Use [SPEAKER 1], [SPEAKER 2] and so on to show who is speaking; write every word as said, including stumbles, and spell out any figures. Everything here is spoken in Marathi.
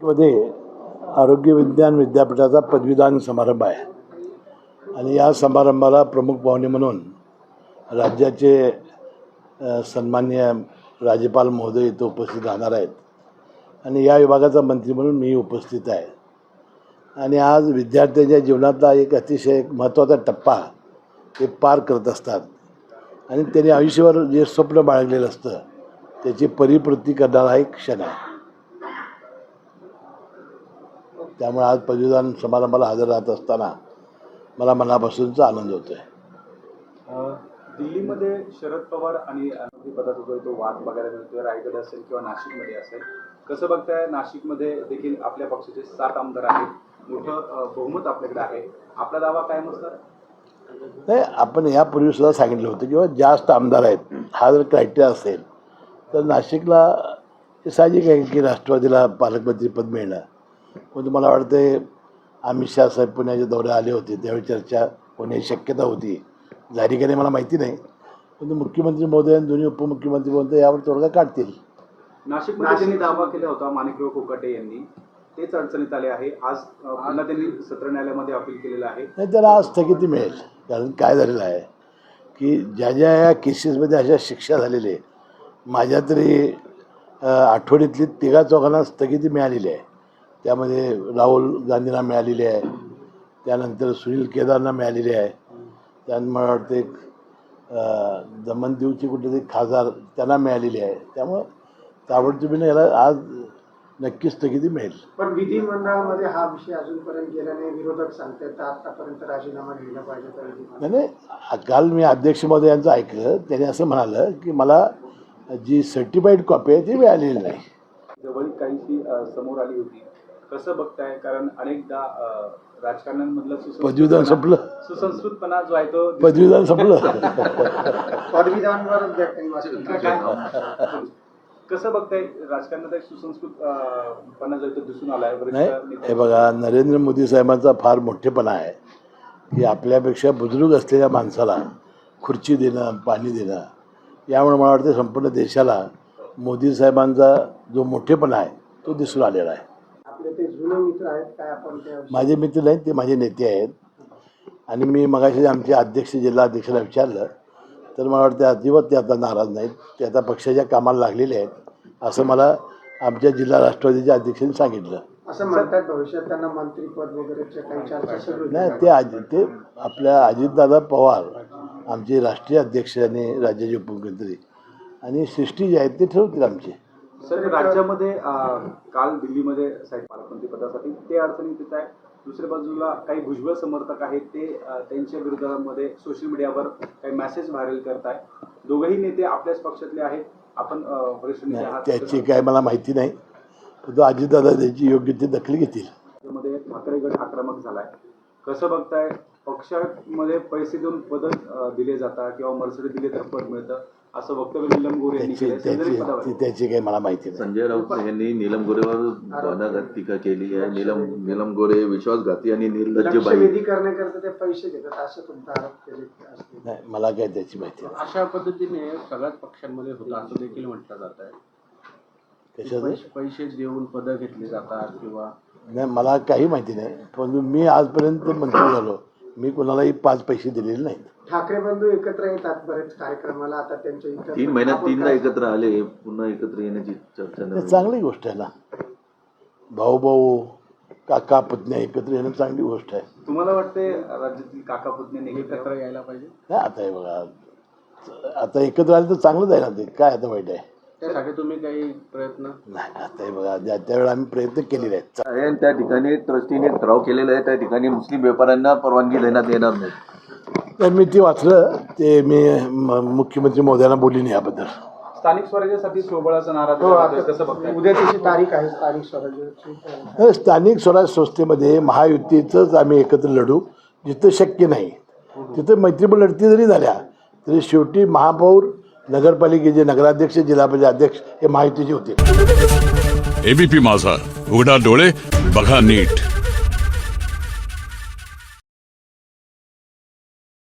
[SPEAKER 1] मध्ये आरोग्य विज्ञान विद्यापीठाचा पदवीदान समारंभ आहे आणि या समारंभाला प्रमुख पाहुणे म्हणून राज्याचे सन्माननीय राज्यपाल महोदय इथं उपस्थित राहणार आहेत आणि या विभागाचा मंत्री म्हणून मी उपस्थित आहे. आणि आज विद्यार्थ्यांच्या जीवनातला एक अतिशय महत्त्वाचा टप्पा ते पार करत असतात आणि त्यांनी आयुष्यभर जे स्वप्न बाळगलेलं असतं त्याची परिपूर्ती करणारा एक क्षण आहे. त्यामुळे आज पदवीदान समारंभाला हजर राहत असताना मला मनापासूनचा आनंद होतो आहे.
[SPEAKER 2] दिल्लीमध्ये शरद पवार आणि मंत्रिपदाचा जो तो वाद बघायला मिळतोय, रायगड असेल किंवा नाशिकमध्ये असेल, कसं बघताय? नाशिकमध्ये देखील आपल्या पक्षाचे सात आमदार आहेत, मोठं बहुमत आपल्याकडे आहे, आपला दावा कायम असणार?
[SPEAKER 1] नाही, आपण यापूर्वी सुद्धा सांगितलं होतं किंवा जास्त आमदार आहेत हा जर क्रायटेरिया असेल तर नाशिकला हे साहजिक आहे की राष्ट्रवादीला पालकमंत्रीपद मिळणं. पण मला वाटतं अमित शाह साहेब पुण्याच्या दौऱ्यात आले होते त्यावेळी चर्चा होण्याची शक्यता होती. झाली का नाही मला माहिती नाही, पण मुख्यमंत्री महोदय आणि दोन्ही उपमुख्यमंत्री महोदय यावर तोडगा काढतील.
[SPEAKER 2] नाशिकमध्ये त्यांनी दावा केला होता माणिकराव कोकाटे यांनी, तेच अडचणीत आले आहे. आज पुन्हा त्यांनी सत्र न्यायालयामध्ये अपील केलेलं आहे.
[SPEAKER 1] नाही, त्याला आज स्थगिती मिळेल. कारण काय झालेलं आहे की ज्या ज्या या केसेसमध्ये अशा शिक्षा झालेल्या आहे, माझ्या तरी आठवड्यातली तिघा चौघांना स्थगिती मिळालेली आहे. त्यामध्ये राहुल गांधींना मिळालेली आहे, त्यानंतर सुनील केदारना मिळालेली आहे, त्यानंतर मला वाटतं एक दमनदीवची कुठेतरी खासदार त्यांना मिळालेली आहे. त्यामुळं ताबडतोबीने याला आज नक्की स्थगिती मिळेल.
[SPEAKER 3] पण विधिमंडळामध्ये हा विषय अजूनपर्यंत गेला नाही. विरोधक सांगतात आतापर्यंत राजीनामा घ्यायला पाहिजे. तर
[SPEAKER 1] नाही, काल मी अध्यक्ष महोदय यांचं ऐकलं, त्यांनी असं म्हणालं की मला जी सर्टिफाईड कॉपी आहे ती मिळालेली नाही.
[SPEAKER 2] जवळ काहीशी समोर आली होती, कसं बघताय? कारण अनेकदा राजकारण्यांमधलं
[SPEAKER 1] पदवीदान संपलं,
[SPEAKER 2] सुसंस्कृतपणा जो आहे तो
[SPEAKER 1] पदवीदान संपलं.
[SPEAKER 3] पदवीदानवरच
[SPEAKER 2] कसं बघताय? राजकारणात एक सुसंस्कृतपणा जो आहे तो दिसून आलाय.
[SPEAKER 1] नाही, हे बघा, नरेंद्र मोदी साहेबांचा फार मोठेपणा आहे की आपल्यापेक्षा बुजुर्ग असलेल्या माणसाला खुर्ची देणं, पाणी देणं. यामुळे मला वाटतं संपूर्ण देशाला मोदी साहेबांचा जो मोठेपणा आहे तो दिसून आलेला आहे.
[SPEAKER 3] आपले ते जुने मित्र आहेत काय? आपण
[SPEAKER 1] माझे मित्र नाहीत, ते माझे नेते आहेत. आणि मी मगाशी आमचे अध्यक्ष जिल्हा अध्यक्षाला विचारलं तर मला वाटतं अजिबात ते आता नाराज नाहीत, ते आता पक्षाच्या कामाला लागलेले आहेत असं मला आमच्या जिल्हा राष्ट्रवादीच्या अध्यक्षांनी सांगितलं.
[SPEAKER 3] असं म्हणतात भविष्यात त्यांना मंत्रीपद वगैरेच्या काही चर्चा सुरू
[SPEAKER 1] नाही, ते अजि ते आपल्या अजितदादा पवार आमचे राष्ट्रीय अध्यक्ष आणि राज्याचे उपमुख्यमंत्री आणि सृष्टी जे आहेत ते ठरवतील आमचे.
[SPEAKER 2] सर, राज्यामध्ये काल दिल्लीमध्ये साहेब पालकमंत्री पदासाठी ते अडचणीत येत आहे. दुसऱ्या बाजूला काही भुजबळ समर्थक आहेत, ते त्यांच्या विरोधामध्ये सोशल मीडियावर काही मेसेज व्हायरल करताय. दोघंही नेते आपल्याच पक्षातले आहेत. आपण वरिष्ठ नेते आहात,
[SPEAKER 1] त्याची काय मला माहिती नाही, पण अजितदादा त्याची योग्य ती दखल घेतील.
[SPEAKER 2] मध्ये ठाकरे गट आक्रमक झालाय, कसं बघताय? पक्षामध्ये पैसे देऊन पद दिले जातात किंवा मर्सिडीज दिले तर पद मिळतं असं वक्तव्य नीलम गोरे यांनी केलं.
[SPEAKER 1] त्याची काही मला माहिती नाही.
[SPEAKER 4] संजय राऊत यांनी नीलम गोरेवर घणाघात टीका केली आहे. नीलम नीलम गोरे विश्वासघाती आणि निर्लज्जबाई
[SPEAKER 3] करण्याकरता ते पैसे घेतात असं तुमचा आरोप केले.
[SPEAKER 1] नाही, मला काय त्याची माहिती नाही.
[SPEAKER 5] अशा पद्धतीने सगळ्याच पक्षांमध्ये होतं असं देखील म्हटलं जात आहे.
[SPEAKER 1] कशाचं?
[SPEAKER 5] पैसे देऊन पदं घेतली जातात किंवा
[SPEAKER 1] नाही, मला काही माहिती नाही. पण मी आजपर्यंत मंत्री झालो, मी कोणालाही पाच पैसे दिलेले नाहीत.
[SPEAKER 3] ठाकरे बंधू एकत्र येतात बरेच कार्यक्रमाला. आता त्यांच्या इतर
[SPEAKER 4] तीन महिन्यात तीनदा एकत्र आले, पुन्हा एकत्र येण्याची चर्चा
[SPEAKER 1] चांगली गोष्ट आहे ना. भाऊ भाऊ काका पुतण्या एकत्र येणं चांगली गोष्ट आहे.
[SPEAKER 2] तुम्हाला वाटते राज्यातील काका पुतण्यांनी
[SPEAKER 5] एकत्र यायला पाहिजे?
[SPEAKER 1] नाही, आता हे बघा, आता एकत्र आले तर चांगलंच आहे ना. ते काय आता वाईट आहे?
[SPEAKER 5] त्यासाठी तुम्ही काही प्रयत्न?
[SPEAKER 1] नाही, आता हे बघा, ज्या त्यावेळेला आम्ही प्रयत्न केलेले आहेत.
[SPEAKER 4] त्या ठिकाणी ट्रस्टीने ठराव केलेला आहे, त्या ठिकाणी मुस्लिम व्यापाऱ्यांना परवानगी देण्यात येणार नाही.
[SPEAKER 1] तर मी ते वाचलं, ते मी मुख्यमंत्री महोदयांना बोलली नाही याबद्दल.
[SPEAKER 2] स्थानिक स्वराज्यासाठी सोबळाचा नारा कसं बघताय?
[SPEAKER 3] उद्या त्याची तारीख आहे स्थानिक स्वराज्याची.
[SPEAKER 1] स्थानिक स्वराज संस्थेमध्ये महायुतीचंच आम्ही एकत्र लढू. जिथं शक्य नाही तिथं मैत्रीपूर्ण लढती जरी झाल्या तरी शेवटी महापौर, नगरपालिकेचे नगराध्यक्ष, जिल्हा परिषद अध्यक्ष हे महायुतीचे होते.
[SPEAKER 6] एबीपी माझा, उघडा डोळे बघा नीट.